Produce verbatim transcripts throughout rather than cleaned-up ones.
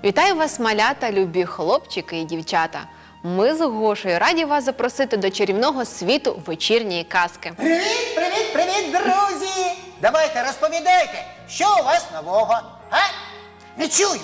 Вітаю вас, малята, любі хлопчики і дівчата. Ми з Гошею раді вас запросити до чарівного світу вечірньої казки. Привіт, привіт, привіт, друзі! Давайте розповідайте, що у вас нового, а? Не чую.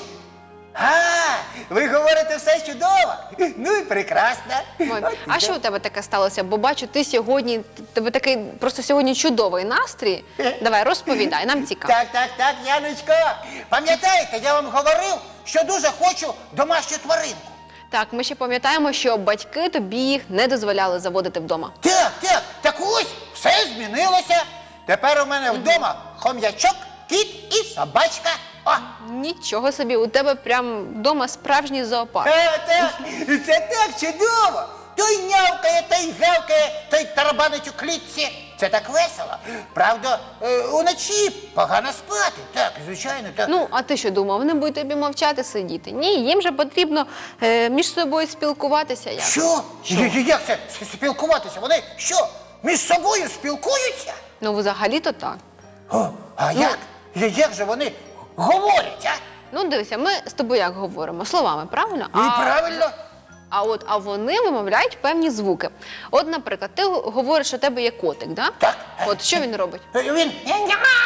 А, ви говорите все чудово. Ну і прекрасно. Ой, а що у тебе таке сталося? Бо бачу, ти сьогодні, тебе такий просто сьогодні чудовий настрій. Давай, розповідай, нам цікаво. Так, так, так, Яночко. Пам'ятаєте, я вам говорив, що дуже хочу домашню тваринку. Так, ми ще пам'ятаємо, що батьки тобі їх не дозволяли заводити вдома. Так, так, так ось, все змінилося. Тепер у мене вдома хом'ячок, кіт і собачка. О! Нічого собі, у тебе прям вдома справжній зоопарк. Е, так, це так чудово. Той нявкає, той гавкає, той тарабанить у клітці. Це так весело. Правда, е, уночі погано спати. Так, звичайно, так. Ну, а ти що думав, вони будуть тобі мовчати сидіти? Ні, їм же потрібно е, між собою спілкуватися. Як? Що? Я- я- Як це с- спілкуватися? Вони що, між собою спілкуються? Ну, взагалі-то так. О, а Ну. як? Я- Як же вони говорять, а? Ну, дивися, ми з тобою як говоримо? Словами, правильно? І правильно. А от, а вони вимовляють певні звуки. От, наприклад, ти говориш, що у тебе є котик, да? Так. От що він робить? Е, Він няу,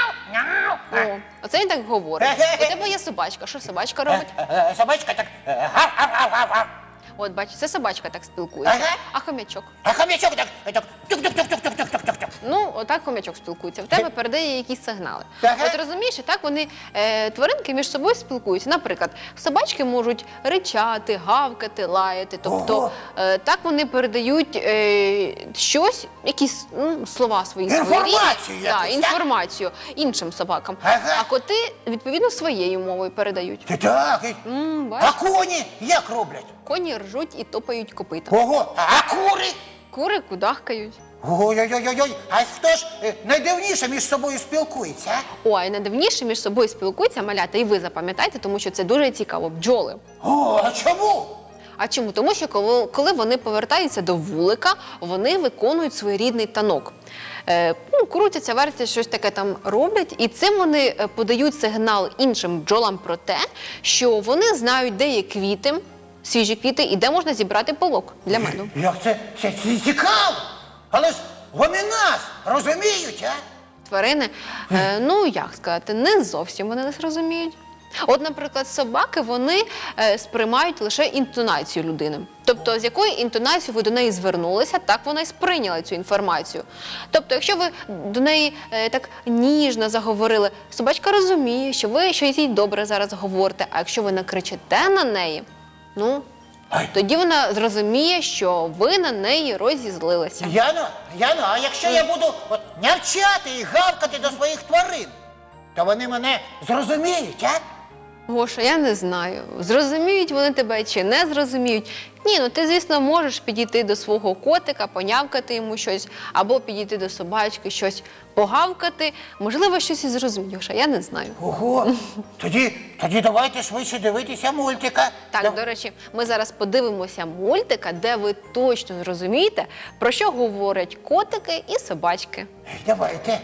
няу. О, оце він так говорить. У тебе є собачка. Що собачка робить? Е, е, Собачка так е, гав, гав, гав, гав, гав. От, бачиш, це собачка так спілкується. Ага. А хомячок? А хомячок так, е, так тук-тук-тук-тук-тук-тук-тук. Ну, отак хомячок спілкується. В тебе передає якісь сигнали. Ага. От розумієш, і так вони, е, тваринки між собою спілкуються. Наприклад, собачки можуть ричати, гавкати, лаяти. Тобто, Ого. е, так вони передають е, щось, якісь ну, слова свої. Інформацію своєрідні. якусь, Так, так? інформацію іншим собакам. Ага. А коти, відповідно, своєю мовою передають. Ти так, і- М, а бачиш, коні як роблять? коні ржуть і топають копита. Ого, а кури? Кури кудахкають. Ой-ой-ой-ой, а хто ж е, найдивніше між собою спілкується, а? Ой, найдивніше між собою спілкуються малята, і ви запам'ятайте, тому що це дуже цікаво. Бджоли. О, а чому? А чому? Тому що коли, коли вони повертаються до вулика, вони виконують своєрідний танок. Е, ну, крутяться, вертяться, щось таке там роблять, і цим вони е, подають сигнал іншим бджолам про те, що вони знають, де є квіти, свіжі квіти, і де можна зібрати пилок для меду. Як це, це, це цікаво? Але ж вони нас розуміють, а? Тварини, е, ну як сказати, не зовсім вони нас розуміють. От, наприклад, собаки, вони е, сприймають лише інтонацію людини. Тобто, з якою інтонацією ви до неї звернулися, так вона і сприйняла цю інформацію. Тобто, якщо ви до неї е, так ніжно заговорили, собачка розуміє, що ви щось їй добре зараз говорите, а якщо ви накричите на неї, ну, Ай. тоді вона зрозуміє, що ви на неї розізлилися. Яно, Яно, а якщо я буду от нявчати і гавкати до своїх тварин, то вони мене зрозуміють, а? Гоша, я не знаю, зрозуміють вони тебе чи не зрозуміють. Ні, ну ти, звісно, можеш підійти до свого котика, понявкати йому щось, або підійти до собачки, щось погавкати. Можливо, щось і зрозуміють, Гоша, я не знаю. Ого, тоді, тоді давайте швидше дивитися мультика. Так, Дав- до речі, ми зараз подивимося мультика, де ви точно зрозумієте, про що говорять котики і собачки. Давайте.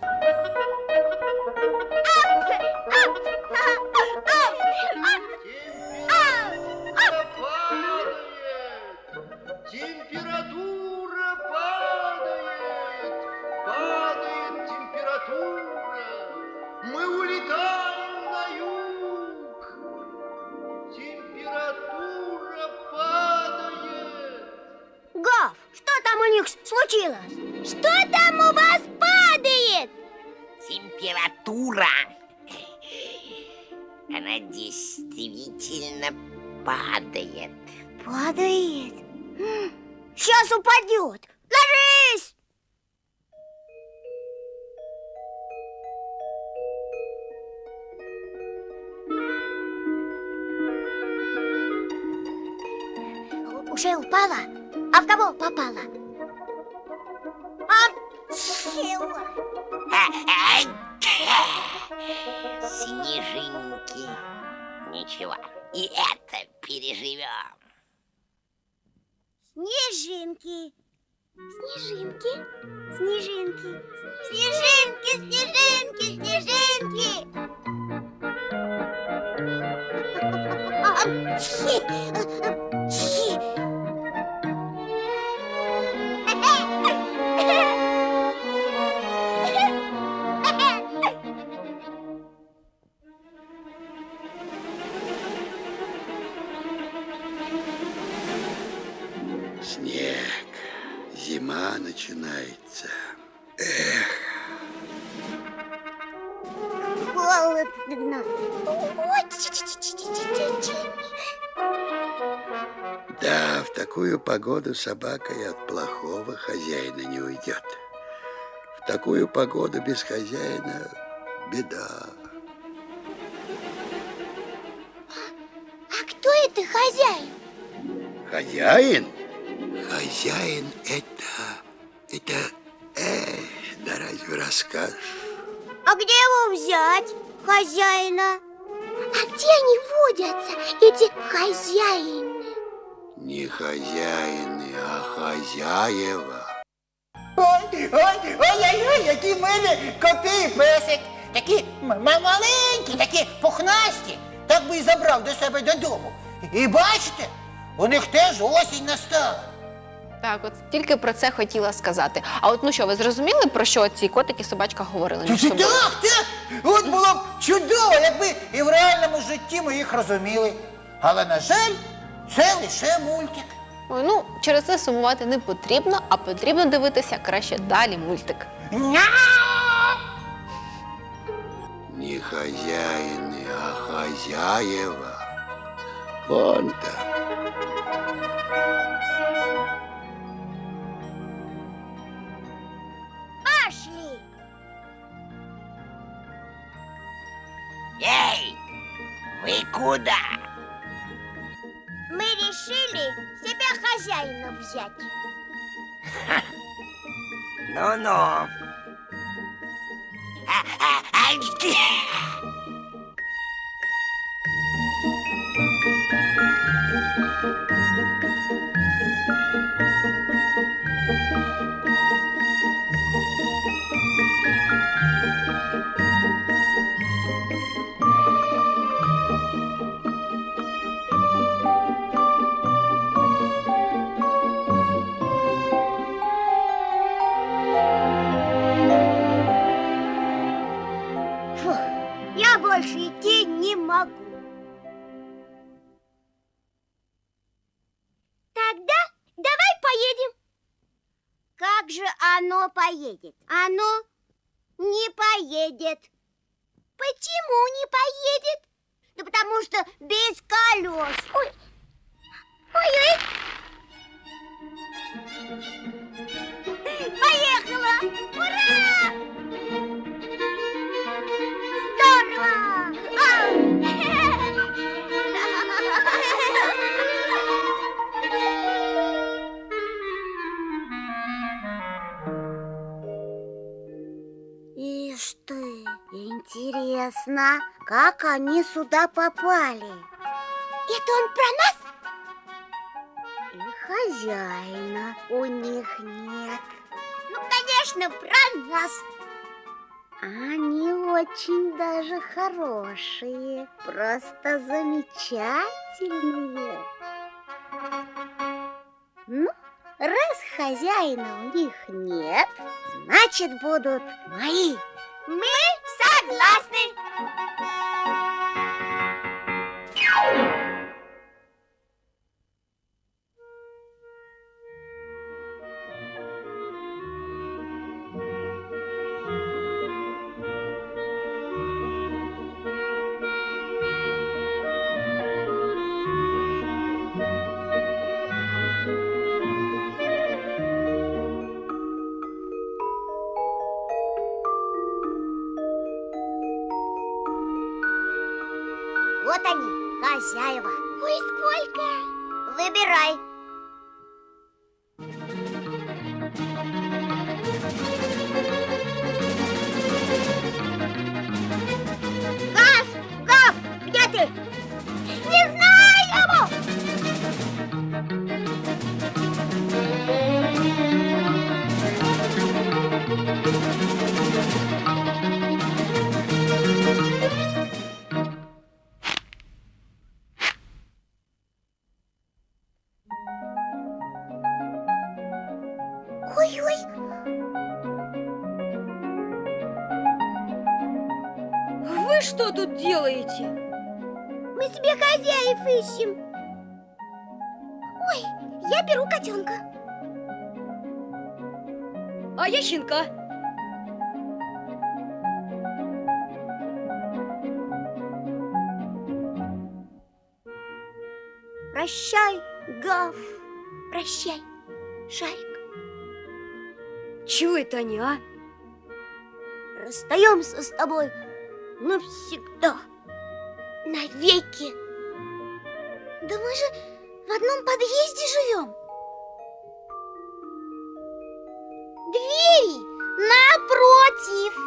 Температура падает, падает температура. Мы улетаем на юг. Температура падает. Гав, что там у них случилось? Что там у вас падает? Температура. Она действительно падает. Падает. Сейчас упадет. Ложись! У- Уже упала? А в кого попала? А чего? А, а, Снежинки. Ничего, и это переживем. Снежинки. Снежинки. Снежинки. Снежинки, снежинки, снежинки. начинается. Холодно. Очень. Да, в такую погоду собака и от плохого хозяина не уйдет. В такую погоду без хозяина беда. А кто это хозяин? Хозяин? Хозяин это... Это... Эх, да разве расскажешь? А где его взять, хозяина? А где они водятся, эти хозяины? Не хозяины, а хозяева. Ой, ой, ой-ой-ой, які в мене коти і песик. Такі м- маленькі, такі пухнасті. Так би і забрав до себе додому. І бачите, у них теж осінь настала. Так, от тільки про це хотіла сказати. А от ну що, ви зрозуміли, про що ці котики і собачка говорили між Це собою? так, так. От було б чудово, якби і в реальному житті ми їх розуміли. Але, на жаль, це лише мультик. Ой, ну, через це сумувати не потрібно, а потрібно дивитися краще далі мультик. Ня! Не хозяины, а хозяева. Вон там. Пошли. Эй, вы куда? Мы решили себя хозяином взять. Ну-ну. А, а, а, где? Фу, я больше идти не могу. Тогда давай поедем. Как же оно поедет? Оно не поедет. Почему не поедет? Да потому что без колес. Ой, ой-ой. Поехала! Ура! Здорово! Ишь ты, интересно, как они сюда попали? Это он про нас? И хозяина у них нет. Ну, конечно, про нас. Они очень даже хорошие, просто замечательные. Ну, раз хозяина у них нет, значит, будут мои. Мы согласны. Вот они, хозяева. Ой, сколько? Выбирай. Гав! Гав! Где ты? Не знаю! Ой-ой! Вы что тут делаете? Мы себе хозяев ищем. Ой, я беру котенка. А я щенка. Прощай, Гав. Прощай, Шарик. Чего это они, а? Расстаемся с тобой навсегда. Навеки. Да мы же в одном подъезде живем. Двери напротив.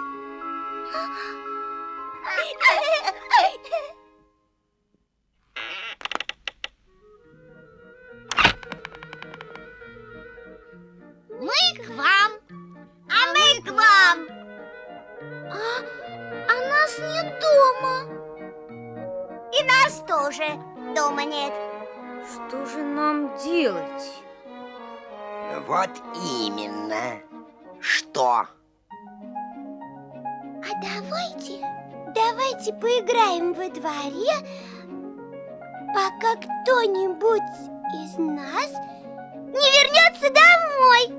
Мы к вам, а мы к вам. А, а нас нет дома. И нас тоже дома нет. Что же нам делать? Вот именно. Что? А давайте, давайте поиграем во дворе, пока кто-нибудь из нас не вернется домой.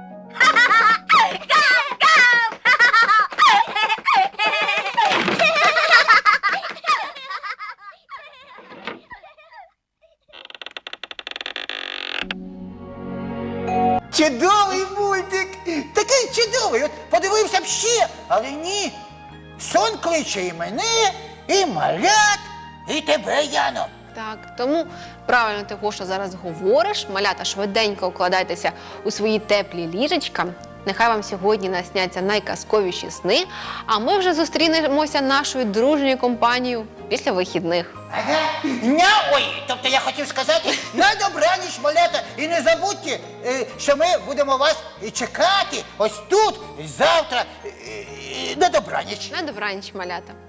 Чудовий мультик! Такий чудовий! От подивився б ще, але ні. Сон кличе і мене, і малят, і тебе, Яно. Так, тому правильно ти, Гоша, зараз говориш. Малята, швиденько укладайтеся у свої теплі ліжечка. Нехай вам сьогодні насняться найказковіші сни, а ми вже зустрінемося нашою дружньою компанією після вихідних. Ага. Ня, ой, тобто я хотів сказати, на добраніч, малята, і не забудьте, е, що ми будемо вас і чекати ось тут, завтра, е, е, на добраніч. На добраніч, малята.